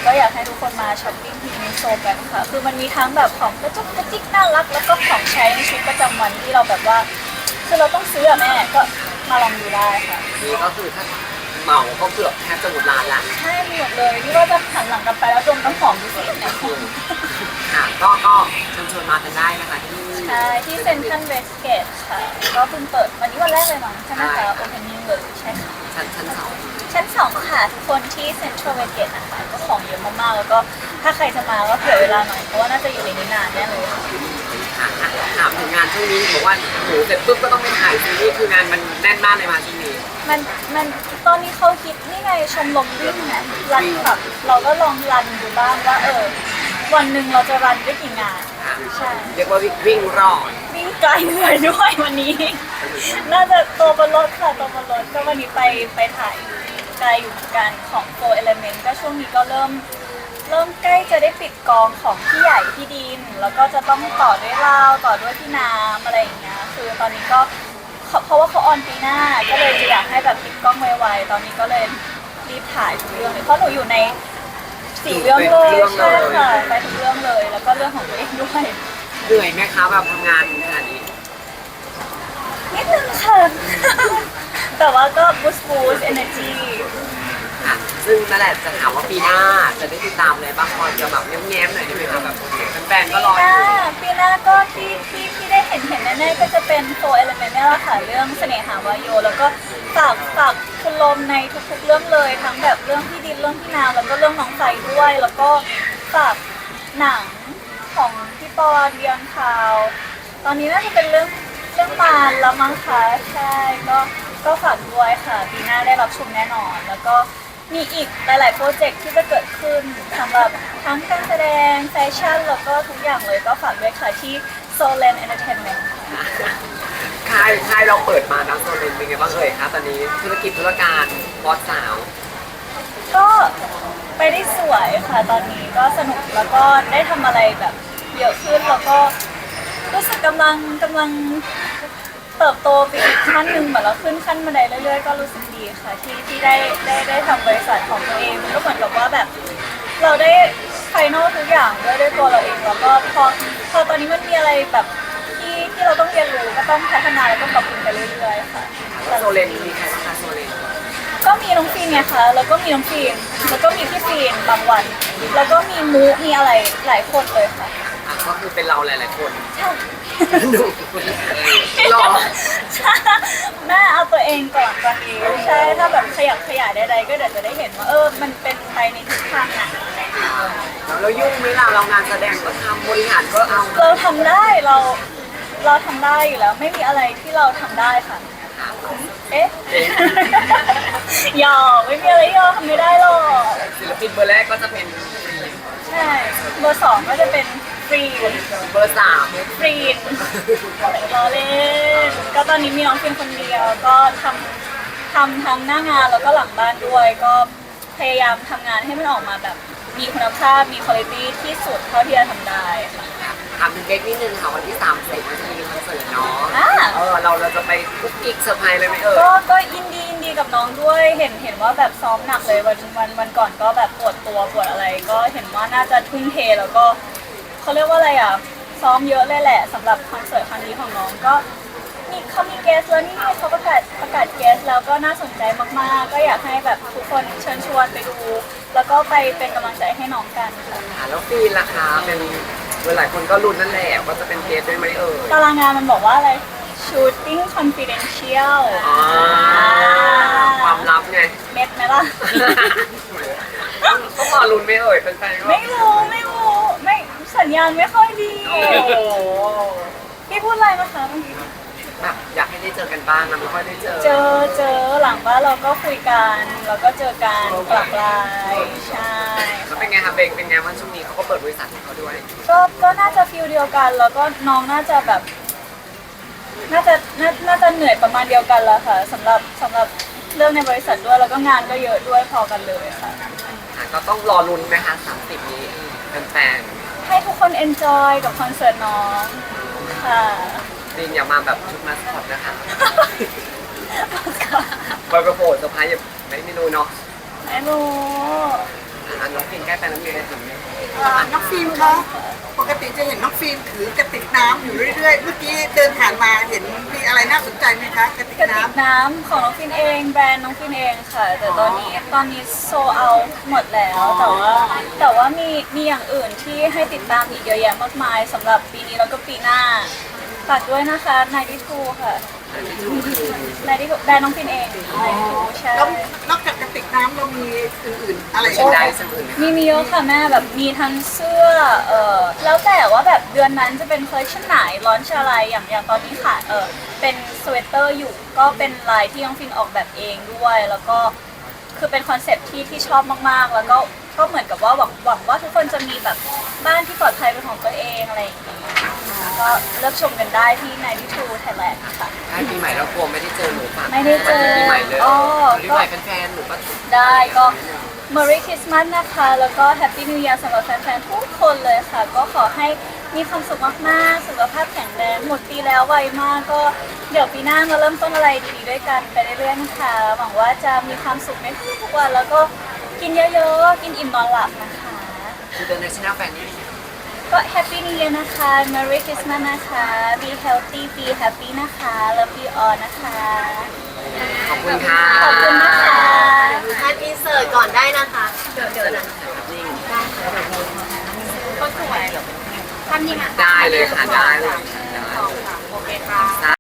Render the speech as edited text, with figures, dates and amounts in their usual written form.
ก็อยากให้ทุกคนมาช้อปปิ้งที่มิโซะกันค่ะคือมันมีทั้งแบบของกระจุกกระจิกน่ารักแล้วก็ของใช้ในชีวิตประจำวันที่เราแบบว่าคือเราต้องซื้ออะแม่ก็มาลองดูได้ค่ะนี่ก็คือถ้าเหมาก็เกือบแทบจะหมดร้านละใช่มีหมดเลยที่ว่าจะหันหลังกลับไปแล้วดมน้ำหอมดูสิไหนคุณค่ะก็เชิญชวนมากันได้นะคะที่ใช่ที่เซ็นทรัลเวสเกตค่ะก็เพิ่งเปิดวันนี้วันแรกเลยมั้งใช่ไหมคะโอเพนนิ่งเลยใช่ค่ะชั้นสองชั้น2ค่ะทุกคนที่เซ็นทรัลเวสเกตนะคะก็ของเยอะมากๆแล้วก็ถ้าใครจะมาก็เผื่อเวลาหน่อยเพราะว่าน่าจะอยู่ในนี้นานแน่เลยค่ะถามถึงงานช่วงนี้บอกว่าหนูเสร็จปุ๊บก็ต้องไปถ่ายซีรีส์คืองานมันแน่นมากเลยมาช่วงนี้มันตอนนี้เขาคิดนี่ไงชมรมวิ่งไงรันแบบเราก็ลองรันดูบ้างว่าวันหนึ่งเราจะรันได้กี่งานใช่เรียกว่าวิ่งรอดวิ่งไกลเลยด้วยวันนี้น่าจะตัวบนรถค่ะตัวบนรถก็วันนี้ไปถ่ายไกลอยู่เหมือนกันของโฟร์เอลเมนต์ก็ช่วงนี้ก็เริ่มใกล้จะได้ปิดกองของพี่ใหญ่พี่ดินแล้วก็จะต้องต่อด้วยราวต่อด้วยพี่น้ำอะไรอย่างเงี้ยคือตอนนี้ก็เพราะว่าเขาออนปีหน้าก็เลยจะอยากให้แบบปิดกล้องไวๆตอนนี้ก็เลยรีบถ่ายทุกเรื่องเลยเพราะหนูอยู่ใน4 เรื่องเลยใช่ค่ะไปทุกเรื่องเลยแล้วก็เรื่องของตัวเองด้วยเหนื่อยไหมคะแบบทำงานขนาดนี้นิดนึงค่ะแต่ว่าก็ boost energy ค่ะซึ่งนั่นแหละจะถามว่าปีหน้าจะได้ติดตามอะไรบ้างพอจะแบบแง้มๆหน่อยได้ไหมคะแบบแฟนๆก็รออยู่ปีหน้าก็ที่ได้เห็นแน่ๆก็จะเป็นโฟร์เอลเมนต์นี่แหละค่ะเรื่องเสน่หาวายโยแล้วก็ฝากคุณลมในทุกๆเรื่องเลยทั้งแบบเรื่องพี่ดินเรื่องพี่นาวแล้วก็เรื่องน้องไฟด้วยแล้วก็ฝากหนังของพี่ปอนเบียงคาวตอนนี้น่าจะเป็นเรื่องมารแล้วมั้งคะใช่ก็ฝากด้วยค่ะปีหน้าได้รับชมแน่นอนแล้วก็มีอีกหลายๆโปรเจกต์ที่จะเกิดขึ้นสำหรับทั้งการแสดงแฟชั่นแล้วก็ทุกอย่างเลยก็ฝากด้วยค่ะที่ Solen Entertainment ค่ายเราเปิดมานะโซลินเป็นไงบ้างเอ่ยคะตอนนี้ธุรกิจธุรการบอสสาวก็ไปได้สวยค่ะตอนนี้ก็สนุกแล้วก็ได้ทำอะไรแบบเยอะขึ้นแล้วก็รู้สึกกำลังเติบโตไปอีกขั้นหนึ่งเหมือนเราขึ้นขั้นบันไดเรื่อยๆก็รู้สึกดีค่ะที่ได้ทำบริษัทของตัวเองมันก็เหมือนกับว่าแบบเราได้ไฟนอลทุกอย่างด้วยตัวเราเองแล้วก็พอตอนนี้มันมีอะไรแบบที่เราต้องเรียนรู้ก็ต้องพัฒนาแล้วก็ปรับปรุงไปเรื่อยๆค่ะโซเลนมีใครบ้างคะโซเลนก็มีน้องฟีนไงคะแล้วก็มีน้องฟีนแล้วก็มีพี่ฟีนบางวันแล้วก็มีมูมีอะไรหลายคนเลยค่ะก็คือเป็นเราหลายๆคนใช่หนูหล่อใช่แม่เอาตัวเองก่อนตอนนี้ใช่ถ้าแบบขยับขยายใดๆก็เดี๋ยวจะได้เห็นว่ามันเป็นไปในทิศทางไหนเรายุ่งไหมล่ะเรางานแสดงก็ทำบริหารก็เอาเราทำได้เราทำได้อยู่แล้วไม่มีอะไรที่เราทำได้ค่ะเอ๊ะยอมไม่มีอะไรที่เราทำไม่ได้หรอกศิลปินเบอร์แรกก็จะเป็นใช่เบอร์2ก็จะเป็นฟรีเบอร์3 ฟรีเราเล่นก็ตอนนี้มีน้องเพียงคนเดียวก็ทำทั้งหน้างานแล้วก็หลังบ้านด้วยก็พยายามทำงานให้มันออกมาแบบมีคุณภาพมีคุณภาพที่สุดเท่าที่จะทำได้ค่ะถามถึงเบคนิดนึงค่ะวันที่30มันจะมีคอนเสิร์ตเนาะเราจะไปกุ๊กกิ๊กเซอร์ไพรส์เลยไหมก็ยินดีกับน้องด้วยเห็นว่าแบบซ้อมหนักเลยวันก่อนก็แบบปวดตัวปวดอะไรก็เห็นว่าน่าจะทุ่มเทแล้วก็เขาเรียกว่าอะไรอ่ะซ้อมเยอะเลยแหละสำหรับคอนเสิร์ตครั้งนี้ของน้องก็เขามีเกสแล้วนี่เขาประกาศเกสแล้วก็น่าสนใจมากๆก็อยากให้แบบทุกคนเชิญชวนไปดูแล้วก็ไปเป็นกำลังใจให้น้องกันค่ะแล้วฟีนล่ะคะเป็นหลายคนก็ลุ้นนั่นแหละว่าจะเป็นเกสด้วยไหมตารางงานมันบอกว่าอะไร shooting confidential ความลับไงเม็ดไหมล่ะต้องรอลุ้นไหมเป็นแฟนก็ไม่สัญญาณไม่ค่อยดีพี่พูดอะไรมาคะเมื่อกี้แบบอยากให้ได้เจอกันบ้างนะไม่ค่อยได้เจอหลังบ้านเราก็คุยกันแล้วก็เจอกันปรับไลน์ใช่แล้วเป็นไงคะเบงเป็นไงวันช่วงนี้เขาก็เปิดบริษัทของเขาด้วยก็น่าจะฟีลเดียวกันแล้วก็น้องน่าจะแบบน่าจะเหนื่อยประมาณเดียวกันแล้วค่ะสำหรับเรื่องในบริษัทด้วยแล้วก็งานก็เยอะด้วยพอกันเลยค่ะก็ต้องรอลุ้นไหมคะ30นี้แฟนให้ทุกคนเอนจอยกับคอนเสิร์ตน้องค่ะดินอย่ามาแบบชุดมาสคอตนะคะไปโผล่เซอร์ไพรส์ไม่รู้เนาะไม่รู้อันน้องฟินใกล้ไปน้ำเย็นถึงน้องฟิล์มคะปกติจะเห็นน้องฟิล์มถือกระติกน้ำอยู่เรื่อยๆ เมื่อกี้เดินผ่านมาเห็นมีอะไรน่าสนใจไหมคะกระติกกระติน้ำกน้ำของน้องฟินเองแบรนด์น้องฟินเองค่ะ แต่ตอนนี้โซเอาหมดแล้วแต่ว่ามีอย่างอื่นที่ให้ติดตามอีกเยอะแยะมากมายสำหรับปีนี้แล้วก็ปีหน้าฝากด้วยนะคะ92ค่ะ92แบรนด์น้องฟินเอง92ใช่แล้วนอกจากกระติกน้ำเรามีอื่นๆอะไรเช่อีนกใดไหมสักอื่นไหมมีเยอะค่ะแม่แบบมีทั้งเสื้อแล้วแต่ว่าแบบเดือนนั้นจะเป็นคอลเลคชันไหนร้อนชอะไรอย่างตอนนี้ค่ะเป็นสเวตเตอร์อยู่ก็เป็นลายที่น้องฟินออกแบบเองด้วยแล้วก็คือเป็นคอนเซ็ปต์ที่ชอบมากๆ แล้วก็เหมือนกับว่าหวังว่าทุกคนจะมีแบบบ้านที่ปลอดภัยเป็นของตัวเองอะไรอย่างนี้ก็เลือกชมกันได้ที่92 Thailand ค่ะใกล้ปีใหม่แล้วกลัวไม่ได้เจอหนูฝากไม่ได้เจอปีใหม่เลยอ๋อปีใหม่แฟนๆหนูก็ได้ก็ Merry Christmas นะคะ แล้วก็ Happy New Year สำหรับแฟนๆทุกคนเลยค่ะ ก็ขอให้มีความสุขมากๆ สุขภาพแข็งแรง หมดปีแล้วไวมาก ก็เดี๋ยวปีหน้ามาเริ่มต้นอะไรดีๆด้วยกันไปเรื่อยๆนะคะ หวังว่าจะมีความสุขในทุกๆวัน แล้วก็กินเยอะๆ กินอิ่มนอนหลับนะคะ International Fan นี่ก็ Happy New Year นะคะ Merry Christmas นะคะ Be healthy Be happy นะคะ Love you all นะคะขอบคุณค่ะขอบคุณนะคะท่านอินเสิร์ตก่อนได้นะคะ เดี๋ยวนะนิ่งก็สวยท่านยิงอ่ะได้เลยค่ะได้เลย